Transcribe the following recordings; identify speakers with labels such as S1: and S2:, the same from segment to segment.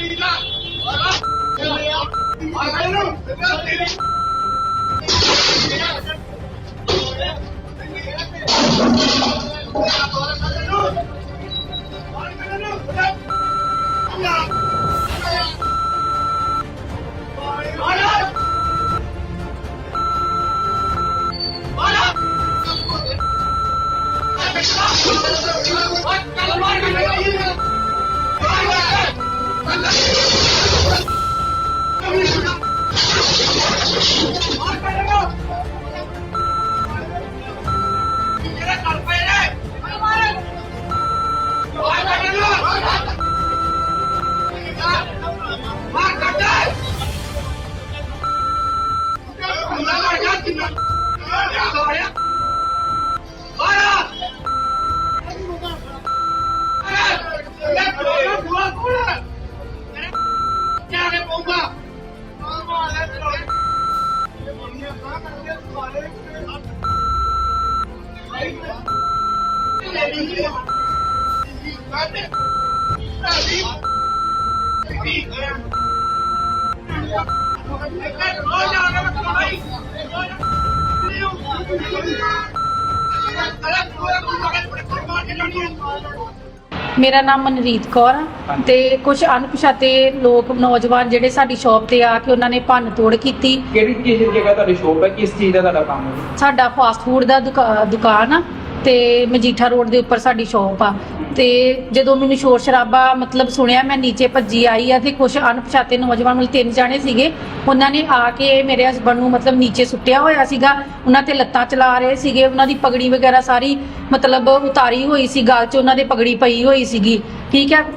S1: मेरा नाम मनरीत कौर है ते कुछ अनपछाते लोग नौजवान जेडे साडी शॉप ते आके उन्होंने भन्न तोड़ की।
S2: ਕਿਹੜੀ ਚੀਜ਼ ਦੀ ਜਗ੍ਹਾ ਤੁਹਾਡੀ ਸ਼ੋਪ ਹੈ, ਕਿਸ ਚੀਜ਼ ਦਾ ਤੁਹਾਡਾ ਕੰਮ ਹੈ?
S1: साडा फास्ट फूड दा दुकान आ ते मजीठा रोड दे उपर साडी शॉप आ। ਤੇ ਜਦੋਂ ਮੈਨੂੰ ਸ਼ੋਰ ਸ਼ਰਾਬਾ ਮਤਲਬ ਸੁਣਿਆ ਮੈਂ ਨੀਚੇ ਭੱਜੀ ਆਈ ਆ ਤੇ ਕੁਝ ਅਣਪਛਾਤੇ ਨੌਜਵਾਨ ਮਤਲਬ 3 ਜਾਣੇ ਸੀਗੇ, ਉਹਨਾਂ ਨੇ ਆ ਕੇ ਮੇਰੇ ਹਸਬੰਡ ਨੂੰ ਮਤਲਬ ਨੀਚੇ ਸੁੱਟਿਆ ਹੋਇਆ ਸੀਗਾ, ਉਹਨਾਂ ਤੇ ਲੱਤਾਂ ਚਲਾ ਰਹੇ ਸੀਗੇ, ਉਹਨਾਂ ਦੀ ਪਗੜੀ ਵਗੈਰਾ ਸਾਰੀ ਮਤਲਬ ਉਤਾਰੀ ਹੋਈ ਸੀ, ਗਲ 'ਚ ਉਹਨਾਂ ਦੇ ਪਗੜੀ ਪਈ ਹੋਈ ਸੀਗੀ, ਠੀਕ ਹੈ।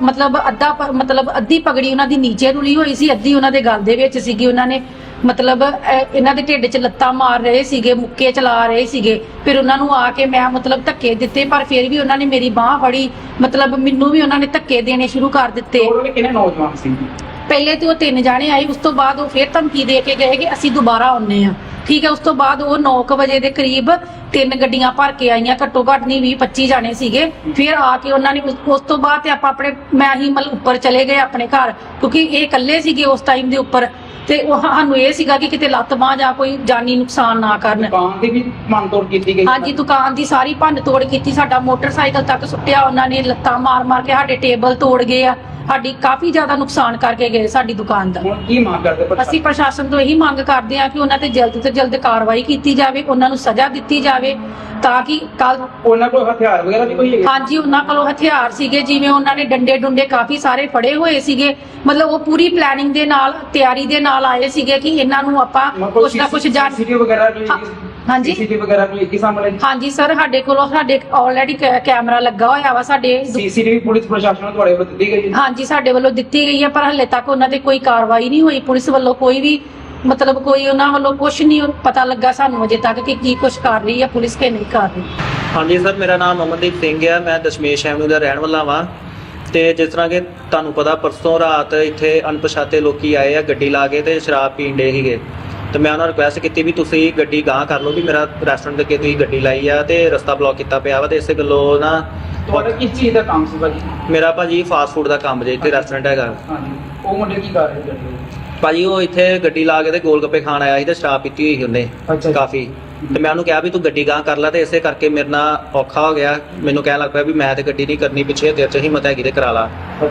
S1: ਮਤਲਬ ਅੱਧੀ ਪਗੜੀ ਉਹਨਾਂ ਦੀ ਨੀਚੇ ਰੁਲੀ ਹੋਈ ਸੀ, ਅੱਧੀ ਉਹਨਾਂ ਦੇ ਗਲ ਦੇ ਵਿੱਚ ਸੀਗੀ। ਉਹਨਾਂ ਨੇ ਮਤਲਬ ਇਹਨਾਂ ਦੇ ਢਿੱਡ 'ਚ ਲੱਤਾਂ ਮਾਰ ਰਹੇ ਸੀਗੇ, ਮੁੱਕੇ ਚਲਾ ਰਹੇ ਸੀਗੇ। ਫਿਰ ਉਹਨਾਂ ਨੂੰ ਆ ਕੇ ਮੈਂ ਮਤਲਬ ਧੱਕੇ ਦਿੱਤੇ, ਪਰ ਫਿਰ ਵੀ ਉਹਨਾਂ ਨੇ ਮੇਰੀ ਬਾਂਹ ਫੜੀ, ਮਤਲਬ ਮੈਨੂੰ ਵੀ ਉਹਨਾਂ ਨੇ ਧੱਕੇ ਦੇਣੇ ਸ਼ੁਰੂ ਕਰ ਦਿੱਤੇ।
S2: ਕਿੰਨੇ ਨੌਜਵਾਨ ਸੀ?
S1: ਪਹਿਲੇ ਤੇ ਉਹ 3 ਜਾਣੇ ਆਏ, ਉਸ ਤੋਂ ਬਾਅਦ ਉਹ ਫਿਰ ਧਮਕੀ ਦੇ ਕੇ ਗਏ ਕਿ ਅਸੀਂ ਦੁਬਾਰਾ ਆਉਨੇ ਆ, ਠੀਕ ਹੈ। ਉਸ ਤੋਂ ਬਾਅਦ ਉਹ 9 ਵਜੇ ਦੇ ਕਰੀਬ 3 ਗੱਡੀਆਂ ਭਰ ਕੇ ਆਈਆਂ, ਘੱਟੋ ਘੱਟ ਨਹੀਂ 20-25 ਜਾਣੇ ਸੀਗੇ। ਫਿਰ ਆ ਕੇ ਉਹਨਾਂ ਨੇ ਉਸ ਤੋਂ ਬਾਅਦ ਤੇ ਆਪਣੇ ਮੈਂ ਹੀ ਮਤਲਬ ਉੱਪਰ ਚਲੇ ਗਏ ਆਪਣੇ ਘਰ, ਕਿਉਂਕਿ ਇਹ ਇਕੱਲੇ ਸੀਗੇ ਉਸ ਟਾਈਮ ਦੇ ਉੱਪਰ, ਤੇ ਉਹ ਸਾਨੂੰ ਇਹ ਸੀਗਾ ਕਿ ਕਿਤੇ ਲੱਤ ਬਾਂਹ ਜਾਂ ਕੋਈ ਜਾਨੀ ਨੁਕਸਾਨ ਨਾ ਕਰਨ।
S2: ਦੁਕਾਨ ਦੀ ਵੀ ਭੰਨ ਤੋੜ ਕੀਤੀ ਗਈ?
S1: ਹਾਂਜੀ, ਦੁਕਾਨ ਦੀ ਸਾਰੀ ਭੰਨ ਤੋੜ ਕੀਤੀ, ਸਾਡਾ ਮੋਟਰਸਾਈਕਲ ਤੱਕ ਸੁੱਟਿਆ ਉਹਨਾਂ ਨੇ, ਲੱਤਾਂ ਮਾਰ ਮਾਰ ਕੇ ਸਾਡੇ ਟੇਬਲ ਤੋੜ ਗਏ ਆ, ਸਾਡੀ ਕਾਫੀ ਜ਼ਿਆਦਾ ਨੁਕਸਾਨ ਕਰਕੇ ਗਏ ਸਾਡੀ ਦੁਕਾਨ ਦਾ।
S2: ਹੁਣ ਕੀ ਮੰਗ ਕਰਦੇ?
S1: ਅਸੀਂ ਪ੍ਰਸ਼ਾਸਨ ਤੋਂ ਇਹੀ ਮੰਗ ਕਰਦੇ ਹਾਂ ਕਿ ਉਹਨਾਂ ਤੇ ਜਲਦ ਤੋਂ ਜਲਦ ਕਾਰਵਾਈ ਕੀਤੀ ਜਾਵੇ, ਉਹਨਾਂ ਨੂੰ ਸਜ਼ਾ ਦਿੱਤੀ ਜਾਵੇ, ਤਾਂ ਕਿ ਕੱਲ
S2: ਉਹਨਾਂ ਕੋਲ ਹਥਿਆਰ ਵਗੈਰਾ ਵੀ ਕੋਈ ਹੈਗੇ?
S1: ਹਾਂਜੀ, ਉਹਨਾਂ ਕੋਲੋਂ ਹਥਿਆਰ ਸੀਗੇ, ਜਿਵੇਂ ਉਹਨਾਂ ਨੇ ਡੰਡੇ ਡੁੰਡੇ ਕਾਫੀ ਸਾਰੇ ਫੜੇ ਹੋਏ ਸੀਗੇ, ਮਤਲਬ ਉਹ ਪੂਰੀ ਪਲੈਨਿੰਗ ਦੇ ਨਾਲ, ਤਿਆਰੀ ਦੇ ਨਾਲ ਆਏ ਸੀਗੇ ਕਿ ਇਹਨਾਂ ਨੂੰ ਆਪਾਂ ਕੁਛ ਨਾ ਕੁਛ ਜਾਣ।
S2: ਸੀਸੀਟੀਵੀ ਵਗੈਰਾ ਵੀ?
S1: ਹਾਂਜੀ,
S2: ਸੀਸੀਟੀਵੀ ਵਗੈਰਾ ਵੀ ਇੱਕ ਸਾਹਮਣੇ?
S1: ਹਾਂਜੀ ਸਰ, ਸਾਡੇ ਕੋਲੋਂ ਆਲਰੇਡੀ ਕੈਮਰਾ ਲੱਗਾ ਹੋਇਆ ਵਾ ਸਾਡੇ।
S2: ਸੀਸੀਟੀਵੀ ਪੁਲਿਸ ਪ੍ਰਸ਼ਾਸਨ ਨੂੰ ਤੁਹਾਡੇ ਵੱਲੋਂ ਦਿੱਤੀ ਗਈ ਹੈ?
S1: ਹਾਂਜੀ, ਸਾਡੇ ਵੱਲੋਂ ਦਿੱਤੀ ਗਈ ਹੈ, ਪਰ ਹਲੇ ਤੱਕ ਉਹਨਾਂ ਤੇ ਕੋਈ ਕਾਰਵਾਈ ਨਹੀਂ ਹੋਈ, ਪੁਲਿਸ ਵੱਲੋਂ ਕੋਈ ਵੀ ਮਤਲਬ ਕੋਈ ਉਹਨਾਂ ਵੱਲੋਂ ਕੁਝ ਨਹੀਂ ਪਤਾ ਲੱਗਾ ਸਾਨੂੰ ਅਜੇ ਤੱਕ ਕਿ ਕੀ ਕੁਝ ਕਰ ਰਹੀ ਹੈ ਪੁਲਿਸ ਕਿ ਨਹੀਂ ਕਰ ਰਹੀ।
S3: ਹਾਂਜੀ ਸਰ, ਮੇਰਾ ਨਾਮ ਅਮਨਦੀਪ ਸਿੰਘ ਹੈ, ਮੈਂ ਦਸ਼ਮੇਸ਼ ਐਵਨਿਊ ਦਾ ਰਹਿਣ ਵਾਲਾ ਵਾਂ। ਤੇ ਜਿਸ ਤਰ੍ਹਾਂ ਕਿ ਤੁਹਾਨੂੰ ਪਤਾ, ਪਰਸੋਂ ਰਾਤ ਇੱਥੇ ਅਣਪਛਾਤੇ ਲੋਕੀ ਆਏ ਆ ਗੱਡੀ ਲਾ ਕੇ ਤੇ ਸ਼ਰਾਬ ਪੀਣ ਡੇ ਸੀਗੇ, ਤੇ ਮੈਂ ਉਹਨਾਂ ਨੂੰ ਰਿਕੁਐਸਟ ਕੀਤੀ ਵੀ ਤੁਸੀਂ ਗੱਡੀ ਗਾਂਹ ਕਰ ਲਓ, ਵੀ ਮੇਰਾ ਰੈਸਟੋਰੈਂਟ ਦੇ ਅੱਗੇ ਤੁਸੀਂ ਗੱਡੀ ਲਾਈ ਆ ਤੇ ਰਸਤਾ ਬਲੌਕ ਕੀਤਾ ਪਿਆ ਵਾ, ਤੇ ਇਸੇ ਗੱਲੋਂ ਨਾ।
S2: ਤੁਹਾਡਾ ਕਿਸ ਚੀਜ਼ ਦਾ ਕੰਮ ਸੀ ਭਾਜੀ?
S3: ਮੇਰਾ ਭਾਜੀ ਫਾਸਟ ਫੂਡ ਦਾ ਕੰਮ ਜੇ, ਇੱਥੇ ਰੈਸਟੋਰੈਂਟ ਹੈਗਾ।
S2: ਹਾਂਜੀ, ਉਹ ਮੁੰਡੇ ਕੀ ਕਰ ਰਹੇ ਸੀ
S3: ਭਾਜੀ? ਉਹ ਇੱਥੇ ਗੱਡੀ ਲਾ ਕੇ ਤੇ ਗੋਲ ਗੱਪੇ ਖਾਣ ਆਇਆ ਸੀ ਤੇ ਸ਼ਰਾਬ ਪੀਤੀ ਹੋਈ ਸੀ ਉਹਨੇ ਕਾਫੀ, ਤੇ ਮੈਂ ਉਹਨੂੰ ਕਿਹਾ ਵੀ ਤੂੰ ਗੱਡੀ ਗਾਂਹ ਕਰ ਲੈ, ਤੇ ਇਸੇ ਕਰਕੇ ਮੇਰੇ ਨਾਲ ਔਖਾ ਹੋ ਗਿਆ। ਮੈਨੂੰ ਕਹਿਣ ਲੱਗ ਪਿਆ ਵੀ ਮੈਂ ਤੇ ਗੱਡੀ ਨਹੀਂ ਕਰਨੀ, ਪਿੱਛੇ ਤੇਰੇ 'ਚ ਹਿੰਮਤ ਹੈਗੀ ਤੇ ਕਰਾ ਲਾ।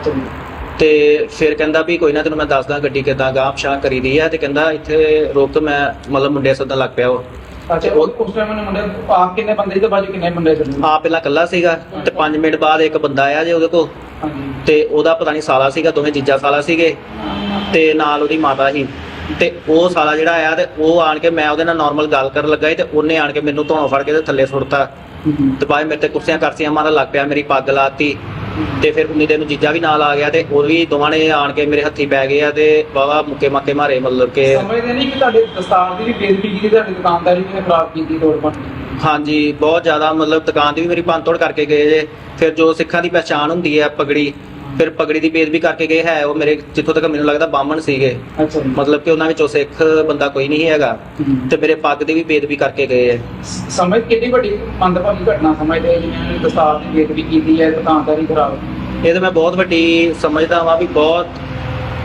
S3: ਤੇ ਫਿਰ ਕਹਿੰਦਾ ਵੀ ਕੋਈ ਨਾ, ਤੈਨੂੰ ਮੈਂ ਦੱਸਦਾ ਗੱਡੀ ਕਿੱਦਾਂ ਗਾਂਹ ਪਛਾਂ ਕਰੀਦੀ ਆ, ਤੇ ਕਹਿੰਦਾ ਇੱਥੇ ਰੋਕ, ਮੈਂ ਮਤਲਬ ਮੁੰਡੇ ਸੱਦਣ ਲੱਗ ਪਿਆ ਉਹ।
S2: ਅੱਛਾ, ਉਸ ਟਾਈਮ ਉਹਨੇ ਮੁੰਡੇ ਆਪ ਕਿੰਨੇ ਬੰਦੇ ਸੀ ਤੇ ਬਾਜੂ ਕਿੰਨੇ ਬੰਦੇ ਸੀ?
S3: ਆਪ ਪਹਿਲਾਂ ਇਕੱਲਾ ਸੀਗਾ, ਤੇ 5 ਮਿੰਟ ਬਾਅਦ ਇੱਕ ਬੰਦਾ ਆਇਆ ਜੇ ਉਹਦੇ ਕੋਲ, ਤੇ ਉਹਦਾ ਪਤਾ ਨਹੀਂ ਸਾਲਾ ਸੀਗਾ, ਦੋਵੇਂ ਜੀਜਾ ਸਾਲਾ ਸੀਗੇ, ਤੇ ਨਾਲ ਉਹਦੀ ਮਾਤਾ ਸੀ। ਤੇ ਉਹ ਸਾਲਾ ਜਿਹੜਾ ਆਇਆ ਤੇ ਉਹ ਆਣ ਕੇ, ਮੈਂ ਉਹਦੇ ਨਾਲ ਨਾਰਮਲ ਗੱਲ ਕਰਨ ਲੱਗਾ ਤੇ ਉਹਨੇ ਆਣ ਕੇ ਮੈਨੂੰ ਧੌਣ ਫੜ ਕੇ ਤੇ ਥੱਲੇ ਸੁੱਟਤਾ, ਤੇ ਬਾਅਦ ਮੇਰੇ ਤੇ ਕੁਰਸੀਆਂ ਕਰਸੀਆਂ ਮਾਰਨ ਲੱਗ ਪਿਆ, ਮੇਰੀ ਪੱਗ ਲਾਤੀ। ਤੇ ਫਿਰ ਉਨੀ ਦਿਨ ਨੂੰ ਜੀਜਾ ਵੀ ਨਾਲ ਆ ਗਿਆ, ਤੇ ਉਹ ਵੀ ਦੋਵਾਂ ਨੇ ਆਣ ਕੇ ਮੇਰੇ ਹੱਥੀ ਪੈ ਗਏ ਆ, ਤੇ ਵਾਹਵਾ ਮੁੱਕੇ ਮਾਕੇ ਮਾਰੇ, ਮਤਲਬ ਕਿ
S2: ਸਮਝਦੇ ਨਹੀਂ ਕਿ ਤੁਹਾਡੇ ਦਸਤਾਰ ਦੀ ਵੀ ਬੇਇੱਜ਼ਤੀ ਕੀਤੀ, ਤੁਹਾਡੀ ਦੁਕਾਨਦਾਰੀ ਵੀ ਖਰਾਬ ਕੀਤੀ ਤੋੜ ਭੰਨ?
S3: ਹਾਂਜੀ, ਬਹੁਤ ਜ਼ਿਆਦਾ, ਮਤਲਬ ਦੁਕਾਨ ਦੀ ਵੀ ਮੇਰੀ ਭੰਨ ਤੋੜ ਕਰਕੇ ਗਏ ਜੇ। ਫਿਰ ਜੋ ਸਿੱਖਾਂ ਦੀ ਪਹਿਚਾਣ ਹੁੰਦੀ ਹੈ ਪਗੜੀ, ਫਿਰ ਪਗੜੀ ਦੀ ਬੇਇੱਜ਼ਤੀ ਕਰਕੇ ਗਏ ਹੈ ਉਹ ਮੇਰੇ, ਜਿੱਥੋਂ ਤੱਕ ਮੈਨੂੰ ਲੱਗਦਾ ਬਾਹਮਣ ਸੀਗੇ, ਮਤਲਬ ਕਿ ਉਹਨਾਂ ਵਿੱਚੋਂ ਸਿੱਖ ਬੰਦਾ ਕੋਈ ਨਹੀਂ ਹੈਗਾ, ਤੇ ਮੇਰੇ ਪੱਗ ਦੀ ਵੀ ਬੇਇੱਜ਼ਤੀ ਕਰਕੇ ਗਏ ਹੈ।
S2: ਸਮਝ ਕਿੰਨੀ ਵੱਡੀ ਮੰਦਭਾਗੀ ਘਟਨਾ ਸਮਝਦੇ ਜਿਵੇਂ ਦਸਤਾਰ ਦੀ ਬੇਇੱਜ਼ਤੀ ਕੀਤੀ ਹੈ, ਦੁਕਾਨਦਾਰੀ ਖਰਾਬ?
S3: ਇਹ ਤਾਂ ਮੈਂ ਬਹੁਤ ਵੱਡੀ ਸਮਝਦਾ ਵਾਂ ਵੀ ਬਹੁਤ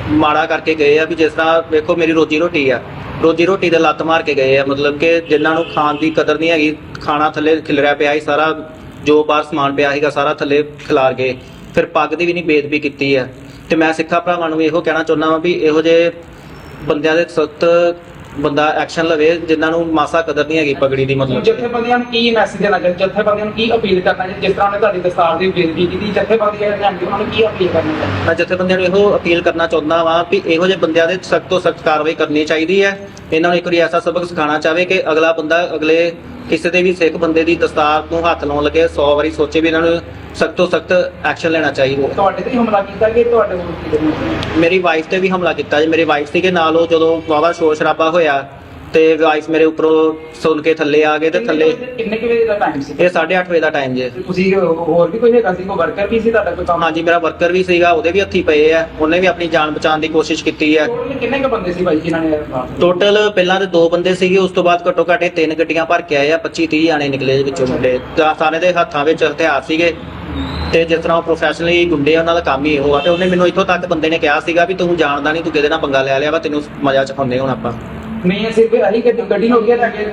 S3: ਮਾੜਾ ਕਰਕੇ ਗਏ ਆ ਵੀ ਜਿਸ ਤਰ੍ਹਾਂ ਵੇਖੋ ਮੇਰੀ ਰੋਜੀ ਰੋਟੀ ਆ, ਰੋਜੀ ਰੋਟੀ ਦੇ ਲੱਤ ਮਾਰ ਕੇ ਗਏ ਆ, ਮਤਲਬ ਕਿ ਜਿਨ੍ਹਾਂ ਨੂੰ ਖਾਣ ਦੀ ਕਦਰ ਨਹੀਂ ਹੈਗੀ, ਖਾਣਾ ਥੱਲੇ ਖਿਲਰਿਆ ਪਿਆ ਸੀ ਸਾਰਾ, ਜੋ ਬਾਹਰ ਸਮਾਨ ਪਿਆ ਸੀਗਾ ਸਾਰਾ ਥੱਲੇ ਖਿਲਾਰ ਗਏ, ਫਿਰ ਪੱਗ ਦੀ ਵੀ ਨਹੀਂ ਬੇਇੱਜ਼ਤੀ ਕੀਤੀ ਆ। ਤੇ ਮੈਂ ਸਿੱਖਾਂ ਭਰਾਵਾਂ ਨੂੰ ਇਹੋ ਕਹਿਣਾ ਚਾਹੁੰਦਾ ਵਾਂ ਵੀ ਇਹੋ ਜਿਹੇ ਬੰਦਿਆਂ ਦੇ ਸਖਤ ਬੰਦਾ ਐਕਸ਼ਨ ਲਵੇ ਜਿਨ੍ਹਾਂ ਨੂੰ ਮਾਸਾ ਕਦਰ ਨਹੀਂ ਹੈਗੀ ਪਗੜੀ ਦੀ। ਮਤਲਬ
S2: ਜਥੇਬੰਦੀਆਂ ਨੂੰ ਕੀ ਮੈਸੇਜ ਦੇਣਾ ਚਾਹੀਦਾ, ਜਥੇਬੰਦੀਆਂ ਨੂੰ ਕੀ ਅਪੀਲ ਕਰਨਾ ਚਾਹੀਦਾ, ਜਿਸ ਤਰ੍ਹਾਂ ਉਹਨੇ ਤੁਹਾਡੀ ਦਸਤਾਰ ਦੀ ਬੇਇੱਜ਼ਤੀ ਕੀਤੀ, ਜਥੇਬੰਦੀਆਂ ਨੇ ਉਹਨਾਂ ਨੂੰ ਕੀ ਅਪੀਲ ਕਰਨੀ ਚਾਹੀਦੀ?
S3: ਮੈਂ ਜਥੇਬੰਦੀਆਂ ਨੂੰ ਇਹੋ ਅਪੀਲ ਕਰਨਾ ਚਾਹੁੰਦਾ ਵਾਂ ਵੀ ਇਹੋ ਜਿਹੇ ਬੰਦਿਆਂ ਦੇ ਸਖਤ ਤੋਂ ਸਖਤ ਕਾਰਵਾਈ ਕਰਨੀ ਚਾਹੀਦੀ ਹੈ। ਇਹਨਾਂ ਨੂੰ ਇੱਕ ਵਾਰੀ ਐਸਾ ਸਬਕ ਸਿਖਾਉਣਾ ਚਾਹਵੇ ਕਿ ਅਗਲਾ ਬੰਦਾ ਅਗਲੇ ਕਿਸੇ ਦੇ ਵੀ ਸਿੱਖ ਬੰਦੇ ਦੀ ਦਸਤਾਰ ਨੂੰ ਹੱਥ ਲਾਉਣ ਲੱਗੇ 100 ਵਾਰੀ ਸੋਚੇ ਵੀ ਇਹਨਾਂ ਨੂੰ ਸਖਤ ਤੋਂ ਸਖਤ ਐਕਸ਼ਨ ਲੈਣਾ ਚਾਹੀਦਾ।
S2: ਤੁਹਾਡੇ ਤੇ ਹੀ ਹਮਲਾ ਕੀਤਾ ਕਿ ਤੁਹਾਡੇ ਕੋਲ?
S3: ਮੇਰੀ ਵਾਈਫ ਤੇ ਵੀ ਹਮਲਾ ਕੀਤਾ ਜੀ। ਮੇਰੀ ਵਾਈਫ ਸੀਗੇ ਨਾਲ, ਉਹ ਜਦੋਂ ਵਾਹਵਾ ਸ਼ੋਰ ਸ਼ਰਾਬਾ ਹੋਇਆ ਤੇ ਵਾਈਫ ਮੇਰੇ ਉੱਪਰੋਂ ਸੁਣ ਕੇ ਥੱਲੇ ਆ ਗਏ ਤੇ ਥੱਲੇ।
S2: ਕਿੰਨੇ ਕੁ ਵਜੇ ਦਾ ਟਾਈਮ ਸੀ?
S3: ਇਹ 8:30 ਵਜੇ ਦਾ ਟਾਈਮ ਜੇ।
S2: ਤੁਸੀਂ ਹੋਰ ਵੀ ਕੋਈ ਹੈਗਾ ਸੀ, ਕੋਈ ਵਰਕਰ ਵੀ ਸੀ ਤੁਹਾਡਾ ਕੋਈ ਕੰਮ?
S3: ਹਾਂਜੀ, ਮੇਰਾ ਵਰਕਰ ਵੀ ਸੀਗਾ, ਉਹਦੇ ਵੀ ਹੱਥੀ ਪਏ ਆ, ਉਹਨੇ ਵੀ ਆਪਣੀ ਜਾਨ ਬਚਾਉਣ ਦੀ ਕੋਸ਼ਿਸ਼ ਕੀਤੀ ਹੈ।
S2: ਟੋਟਲ ਕਿੰਨੇ ਕੁ ਬੰਦੇ ਸੀ ਭਾਈ ਜਿਨ੍ਹਾਂ ਨੇ
S3: ਟੋਟਲ ਪਹਿਲਾਂ ਤੇ 2 ਬੰਦੇ ਸੀਗੇ, ਉਸ ਤੋਂ ਬਾਅਦ ਘੱਟੋ ਘੱਟ 3 ਗੱਡੀਆਂ ਭਰ ਕੇ ਆਏ ਆ, 25-30 ਜਾਣੇ ਨਿਕਲੇ ਵਿੱਚੋਂ ਮੁੰਡੇ। ਸਾਰੇ ਦੇ ਹੱਥਾਂ ਵਿੱਚ ਹਥਿਆਰ ਸੀਗੇ ਤੇ ਜਿਸ ਤਰ੍ਹਾਂ ਉਹ ਪ੍ਰੋਫੈਸ਼ਨਲੀ ਗੁੰਡੇ ਆ, ਉਹਨਾਂ ਦਾ ਕੰਮ ਹੀ ਇਹੋ ਆ। ਤੇ ਉਹਨੇ ਮੈਨੂੰ ਇੱਥੋਂ ਤੱਕ ਬੰਦੇ ਨੇ ਕਿਹਾ ਸੀਗਾ ਵੀ ਤੂੰ ਜਾਣਦਾ ਨਹੀਂ, ਤੂੰ ਕਿਹਦੇ ਨਾਲ ਪੰਗਾ ਲੈ ਲਿਆ ਵਾ, ਤੈਨੂੰ ਮਜ਼ਾ ਚਖਾਉਂਦੇ ਹੁਣ ਆਪਾਂ।
S2: ਨਹੀਂ ਸਿਰਫ ਅਹੀ ਗੱਡੀ ਨੂੰ ਅੱਗੇ ਲੈ ਕੇ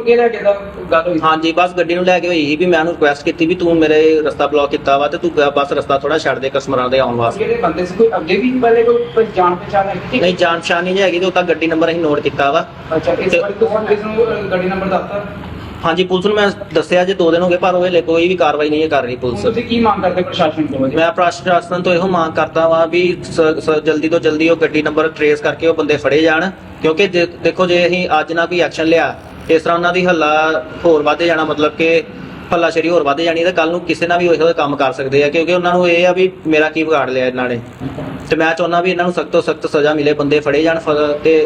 S2: ਦਾ ਗੱਲ ਹੋਈ?
S3: ਹਾਂਜੀ, ਬਸ ਗੱਡੀ ਨੂੰ ਲੈ ਕੇ ਹੋਈ ਸੀ ਵੀ ਮੈਂ ਉਹਨੂੰ ਰਿਕੁਐਸਟ ਕੀਤੀ ਵੀ ਤੂੰ ਮੇਰੇ ਰਸਤਾ ਬਲੌਕ ਕੀਤਾ ਵਾ ਤੇ ਤੂੰ ਬਸ ਰਸਤਾ ਥੋੜਾ ਛੱਡ ਦੇ ਕਸਟਮਰਾਂ ਦੇ ਆਉਣ ਵਾਸਤੇ।
S2: ਜਿਹੜੇ ਬੰਦੇ ਸੀ ਕੋਈ ਅੱਗੇ ਵੀ ਪਹਿਲੇ ਕੋਈ ਜਾਣ ਪਛਾਣ ਹੈ?
S3: ਨਹੀਂ, ਜਾਣ ਪਛਾਣ ਨਹੀਂ ਹੈਗੀ ਤੇ ਉਹ ਤਾਂ ਗੱਡੀ ਨੰਬਰ ਅਸੀਂ ਨੋਟ ਕੀਤਾ ਵਾ।
S2: ਅੱਛਾ, ਇਸ ਵਾਰ ਤੁਸੀਂ ਪੁਲਿਸ ਨੂੰ ਗੱਡੀ ਨੰਬਰ ਦੱਸਤਾ?
S3: ਹਾਂਜੀ, ਪੁਲਿਸ ਨੂੰ ਮੈਂ ਦੱਸਿਆ ਜੇ 2 ਦਿਨ ਹੋ ਗਏ, ਪਰ ਉਹ ਹਲੇ ਕੋਈ ਵੀ ਕਾਰਵਾਈ ਨਹੀਂ ਕਰ ਰਹੀ ਪੁਲਿਸ।
S2: ਤੁਸੀਂ ਕੀ ਮੰਗ ਕਰਦੇ ਪ੍ਰਸ਼ਾਸਨ ਤੋਂ?
S3: ਮੈਂ ਪ੍ਰਸ਼ਾਸਨ ਤੋਂ ਇਹੋ ਮੰਗ ਕਰਦਾ ਵਾਂ ਵੀ ਜਲਦੀ ਤੋਂ ਜਲਦੀ ਉਹ ਗੱਡੀ ਨੰਬਰ ਟਰੇਸ ਕਰਕੇ ਉਹ ਬੰਦੇ ਫੜੇ ਜਾਣ, ਕਿਉਂਕਿ ਦੇਖੋ ਜੇ ਅਸੀਂ ਅੱਜ ਨਾ ਕੋਈ ਐਕਸ਼ਨ ਲਿਆ, ਇਸ ਤਰ੍ਹਾਂ ਉਹਨਾਂ ਦੀ ਹੱਲਾ ਹੋਰ ਵੱਧ ਜਾਣਾ, ਮਤਲਬ ਕਿ ਹੱਲਾਸ਼ੇਰੀ ਹੋਰ ਵੱਧ ਜਾਣੀ ਤੇ ਕੱਲ ਨੂੰ ਕਿਸੇ ਨਾਲ ਵੀ ਇਹੋ ਜਿਹੇ ਕੰਮ ਕਰ ਸਕਦੇ ਆ, ਕਿਉਂਕਿ ਉਹਨਾਂ ਨੂੰ ਇਹ ਆ ਵੀ ਮੇਰਾ ਕੀ ਵਿਗਾੜ ਲਿਆ ਇਹਨਾਂ ਨੇ। ਤੇ ਮੈਂ ਚਾਹੁੰਦਾ ਵੀ ਇਹਨਾਂ ਨੂੰ ਸਖਤ ਤੋਂ ਸਖਤ ਸਜ਼ਾ ਮਿਲੇ, ਬੰਦੇ ਫੜੇ ਜਾਣ ਤੇ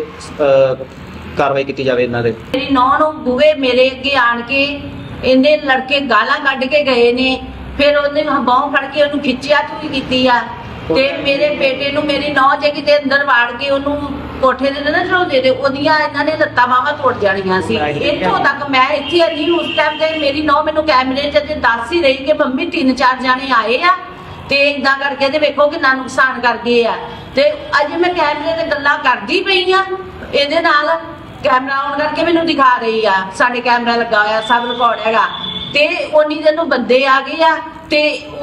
S3: ਕਾਰਵਾਈ ਕੀਤੀ ਜਾਵੇ ਇਹਨਾਂ ਦੇ।
S4: ਮੇਰੀ ਨੌਂ ਨੂੰ ਬੂਹੇ ਮੇਰੇ ਅੱਗੇ ਆਣ ਕੇ ਇਹਨੇ ਲੜਕੇ ਗਾਲਾਂ ਕੱਢ ਕੇ ਗਏ ਨੇ, ਫਿਰ ਉਹਨੇ ਬਾਂਹ ਫੜ ਕੇ ਉਹਨੂੰ ਖਿੱਚਿਆ ਚੂਈ ਕੀਤੀ ਆ। ਤੇ ਮੇਰੇ ਬੇਟੇ ਨੂੰ ਮੇਰੀ ਨੌਂ ਜੇ ਕਿਤੇ ਅੰਦਰ ਵਾੜ ਕੇ ਉਹਨੂੰ ਕੋਠੇ ਦੇ ਨਾ ਚੜਾਉਂਦੇ ਤੇ ਉਹਦੀਆਂ ਇਹਨਾਂ ਨੇ ਲੱਤਾਂ ਬਾਹਾਂ ਤੋੜ ਜਾਣੀਆਂ ਸੀ। ਇੱਥੋਂ ਤੱਕ ਮੈਂ ਇੱਥੇ ਨਹੀਂ ਉਸ ਟਾਈਮ ਤੇ ਮੇਰੀ ਨੌਂ ਮੈਨੂੰ ਕੈਮਰੇ 'ਚ ਦੱਸ ਹੀ ਰਹੀ ਕਿ ਮੰਮੀ 3-4 ਜਾਣੇ ਆਏ ਆ ਤੇ ਇਦਾਂ ਕਰਕੇ ਤੇ ਵੇਖੋ ਕਿੰਨਾ ਨੁਕਸਾਨ ਕਰ ਗਏ ਆ। ਤੇ ਅੱਜ ਮੈਂ ਕੈਮਰੇ ਤੇ ਗੱਲਾਂ ਕਰਦੀ ਪਈ ਆ, ਇਹਦੇ ਨਾਲ ਕੈਮਰਾ ਆਨ ਕਰਕੇ ਮੈਨੂੰ ਦਿਖਾ ਰਹੀ ਆ, ਸਾਡੇ ਕੈਮਰਾ ਲੱਗਾ ਹੋਇਆ, ਸਭ ਰਿਕਾਰਡ ਹੈਗਾ। ਤੇ ਉਨੀ ਦਿਨ ਨੂੰ ਬੰਦੇ ਆ ਗਏ ਆ ਤੇ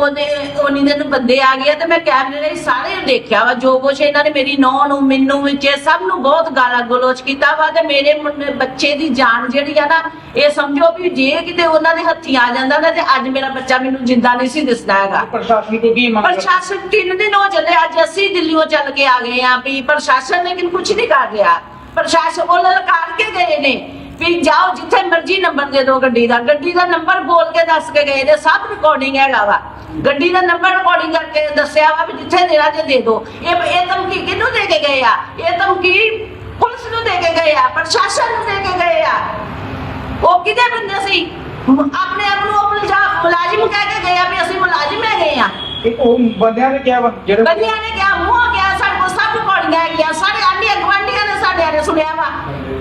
S4: ਉਨੀ ਦਿਨ ਨੂੰ ਬੰਦੇ ਆ ਗਏ ਆ ਤੇ ਮੈਂ ਕੈਮਰੇ ਨੇ ਸਾਰੇ ਦੇਖਿਆ ਵਾ ਜੋ ਕੁਛ ਇਹਨਾਂ ਨੇ ਮੇਰੀ ਨੌਂ ਨੂੰ, ਮੈਨੂੰ ਵਿੱਚ ਸਭ ਨੂੰ ਬਹੁਤ ਗਾਲਾਂ ਗਲੋਚ ਕੀਤਾ ਵਾ। ਤੇ ਮੇਰੇ ਬੱਚੇ ਦੀ ਜਾਨ ਜਿਹੜੀ ਆ ਨਾ, ਇਹ ਸਮਝੋ ਵੀ ਜੇ ਕਿਤੇ ਉਹਨਾਂ ਦੇ ਹੱਥੀ ਆ ਜਾਂਦਾ ਨਾ ਤੇ ਅੱਜ ਮੇਰਾ ਬੱਚਾ ਮੈਨੂੰ ਜਿੰਦਾ ਨਹੀਂ ਸੀ ਦਿਸਦਾ ਹੈਗਾ।
S2: ਪ੍ਰਸ਼ਾਸਨ ਤੋਂ ਕੀ ਮੰਗ?
S4: ਪ੍ਰਸ਼ਾਸਨ 3 ਦਿਨ ਹੋ ਚੱਲੇ, ਅੱਜ ਅਸੀਂ ਦਿੱਲੀੋਂ ਚੱਲ ਕੇ ਆ ਗਏ ਆ ਵੀ ਪ੍ਰਸ਼ਾਸਨ ਲੇਕਿਨ ਕੁਝ ਨਹੀਂ ਕਰ ਰਿਹਾ। ਪ੍ਰਸ਼ਾਸਨ ਉਹ ਲਲਕਾਰ ਕੇ ਗਏ ਨੇ ਵੀ ਜਾਓ ਜਿੱਥੇ ਮਰਜ਼ੀ ਨੰਬਰ ਦੇ ਦਿਓ ਗੱਡੀ ਦਾ ਨੰਬਰ ਬੋਲ ਕੇ ਦੱਸ ਕੇ ਗਏ ਨੇ, ਸਭ ਰਿਕਾਰਡਿੰਗ ਹੈਗਾ ਵਾ। ਗੱਡੀ ਦਾ ਨੰਬਰ ਰਿਕਾਰਡਿੰਗ ਕਰਕੇ ਦੱਸਿਆ ਵਾ ਵੀ ਜਿੱਥੇ ਦੇਣਾ ਤੇ ਦੇ ਦਿਓ। ਇਹ ਧਮਕੀ ਕਿਹਨੂੰ ਦੇ ਕੇ ਗਏ ਆ? ਇਹ ਧਮਕੀ ਪੁਲਿਸ ਨੂੰ ਦੇ ਕੇ ਗਏ ਆ, ਪ੍ਰਸ਼ਾਸਨ ਨੂੰ ਦੇ ਕੇ ਗਏ ਆ। ਉਹ ਕਿਹਦੇ ਬੰਦੇ ਸੀ? ਆਪਣੇ ਆਪ ਨੂੰ ਉਹ ਮੁਲਾਜ਼ਮ ਕਹਿ ਕੇ ਗਏ ਆ ਵੀ ਅਸੀਂ ਮੁਲਾਜ਼ਮ ਹੈਗੇ ਆ।
S2: ਉਹ ਬੰਦਿਆਂ ਨੇ ਕਿਹਾ ਵਾ, ਜਿਹੜੇ
S4: ਬੰਦਿਆਂ ਨੇ ਕਿਹਾ, ਮੂੰਹ ਗਿਆ, ਸਾਡੇ ਕੋਲ ਸਭ ਰਿਕਾਰਡਿੰਗ ਹੈਗੀਆਂ, ਸਾਰੇ ਆਂਢੀ ਗੁਆਂਢੀਆਂ ਨੇ ਸਾਡਿਆਂ ਨੇ ਸੁਣਿਆ ਵਾ।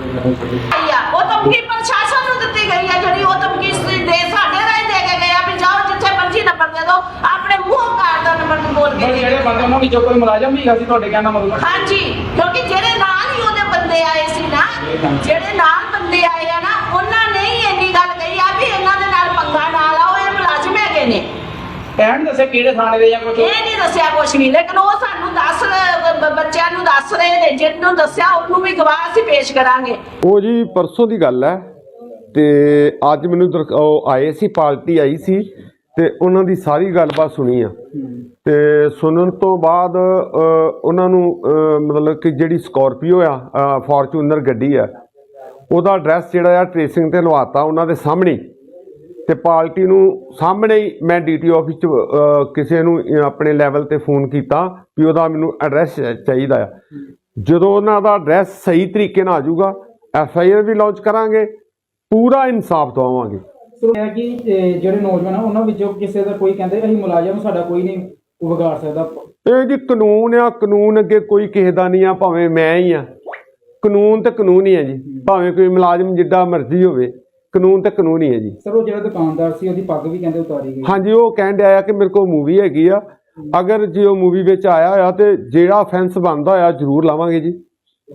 S4: ਉਹ ਧਮਕੀ ਪ੍ਰਸ਼ਾਸਨ ਨੂੰ ਦਿੱਤੀ ਗਈ ਆ, ਜਿਹੜੀ ਉਹ ਧਮਕੀ ਦੇ ਸਾਡੇ ਰਾਹੀਂ ਦੇ ਕੇ ਗਏ ਆ ਵੀ ਜਾਓ ਜਿੱਥੇ ਮਰਜ਼ੀ ਨੰਬਰ ਦੇ ਦਿਓ, ਆਪਣੇ ਮੂੰਹ ਕਾਰ ਦਾ ਨੰਬਰ ਬੋਲ ਕੇ।
S2: ਜਿਹੜੇ ਬੰਦੇ ਉਹਨਾਂ ਵਿੱਚੋਂ ਕੋਈ ਮੁਲਾਜ਼ਮ ਵੀ ਹੈਗਾ ਸੀ ਤੁਹਾਡੇ ਕਹਿਣ ਦਾ ਮਤਲਬ?
S4: ਹਾਂਜੀ, ਕਿਉਂਕਿ ਜਿਹੜੇ ਨਾਲ ਹੀ ਉਹਦੇ ਬੰਦੇ ਆਏ ਸੀ ਨਾ, ਜਿਹੜੇ ਨਾਲ ਬੰਦੇ ਆਏ ਆ ਨਾ, ਉਹਨਾਂ ਨੇ ਹੀ ਇੰਨੀ ਗੱਲ ਕਹੀ ਆ ਵੀ ਇਹਨਾਂ ਦੇ ਨਾਲ ਪੰਗਾ ਨਾ ਲਾਓ, ਇਹ ਮੁਲਾਜ਼ਮ ਹੈਗੇ ਨੇ।
S2: ਕਹਿਣ ਦੱਸਿਆ ਕਿਹੜੇ ਥਾਣੇ ਦੇ ਜਾਂ ਕੁਝ?
S4: ਇਹ ਨਹੀਂ ਦੱਸਿਆ ਕੁਛ ਵੀ, ਲੇਕਿਨ ਉਹ ਸਾਨੂੰ ਬੱਚਿਆਂ ਨੂੰ ਦੱਸ ਰਹੇ ਨੇ, ਜਿਹਨੂੰ ਦੱਸਿਆ ਉਹਨੂੰ ਵੀ ਗਵਾਹ ਅਸੀਂ ਪੇਸ਼ ਕਰਾਂਗੇ।
S5: ਉਹ ਜੀ ਪਰਸੋਂ ਦੀ ਗੱਲ ਹੈ ਤੇ ਅੱਜ ਮੈਨੂੰ ਉਹ ਆਏ ਸੀ, ਪਾਰਟੀ ਆਈ ਸੀ ਤੇ ਉਹਨਾਂ ਦੀ ਸਾਰੀ ਗੱਲਬਾਤ ਸੁਣੀ ਆ। ਤੇ ਸੁਣਨ ਤੋਂ ਬਾਅਦ ਉਹਨਾਂ ਨੂੰ ਮਤਲਬ ਕਿ ਜਿਹੜੀ ਸਕੋਰਪੀਓ ਆ, ਫੋਰਚੂਨਰ ਗੱਡੀ ਆ, ਉਹਦਾ ਐਡਰੈਸ ਜਿਹੜਾ ਆ ਟ੍ਰੇਸਿੰਗ ਤੇ ਲਵਾਤਾ ਉਹਨਾਂ ਦੇ ਸਾਹਮਣੇ। ਤੇ ਪਾਰਟੀ ਨੂੰ ਸਾਹਮਣੇ ਹੀ ਮੈਂ ਡੀਟੀ ਆਫਿਸ 'ਚ ਕਿਸੇ ਨੂੰ ਆਪਣੇ ਲੈਵਲ ਤੇ ਫੋਨ ਕੀਤਾ ਵੀ ਉਹਦਾ ਮੈਨੂੰ ਐਡਰੈਸ ਚਾਹੀਦਾ ਆ। ਜਦੋਂ ਉਹਨਾਂ ਦਾ ਐਡਰੈਸ ਸਹੀ ਤਰੀਕੇ ਨਾਲ ਆ ਜਾਊਗਾ, FIR ਵੀ ਲਾਂਚ ਕਰਾਂਗੇ, ਪੂਰਾ ਇਨਸਾਫ ਦਵਾਵਾਂਗੇ।
S2: ਸੁਣਿਆ ਕਿ ਜਿਹੜੇ ਨੌਜਵਾਨ ਆ ਉਹਨਾਂ ਵਿੱਚੋਂ ਕਿਸੇ ਦਾ ਕੋਈ ਕਹਿੰਦੇ ਅਸੀਂ ਮੁਲਾਜ਼ਮ ਸਾਡਾ ਕੋਈ ਨਹੀਂ ਵਿਗਾੜ ਸਕਦਾ।
S5: ਇਹ ਜੀ ਕਾਨੂੰਨ ਆ, ਕਾਨੂੰਨ ਅੱਗੇ ਕੋਈ ਕਿਸੇ ਦਾ ਨਹੀਂ ਆ, ਭਾਵੇਂ ਮੈਂ ਹੀ ਆ। ਕਾਨੂੰਨ ਤੇ ਕਾਨੂੰਨ ਹੀ ਆ ਜੀ, ਭਾਵੇਂ ਕੋਈ ਮੁਲਾਜ਼ਮ ਜਿੱਡਾ ਮਰਜ਼ੀ ਹੋਵੇ, ਕਾਨੂੰਨ ਤੇ ਕਾਨੂੰਨ ਹੀ ਹੈ ਜੀ।
S2: ਸਰ ਉਹ ਜਿਹੜਾ ਦੁਕਾਨਦਾਰ ਸੀ ਉਹਦੀ ਪੱਗ ਵੀ ਕਹਿੰਦੇ ਉਤਾਰੀ ਗਈ?
S5: ਹਾਂਜੀ, ਉਹ ਕਹਿਣ ਡਿਆ ਆ ਕਿ ਮੇਰੇ ਕੋਲ ਮੂਵੀ ਹੈਗੀ ਆ, ਅਗਰ ਜੇ ਉਹ ਮੂਵੀ ਵਿੱਚ ਆਇਆ ਹੋਇਆ ਤੇ ਜਿਹੜਾ ਫੈਂਸ ਬਣਦਾ ਹੋਇਆ ਜ਼ਰੂਰ ਲਾਵਾਂਗੇ ਜੀ।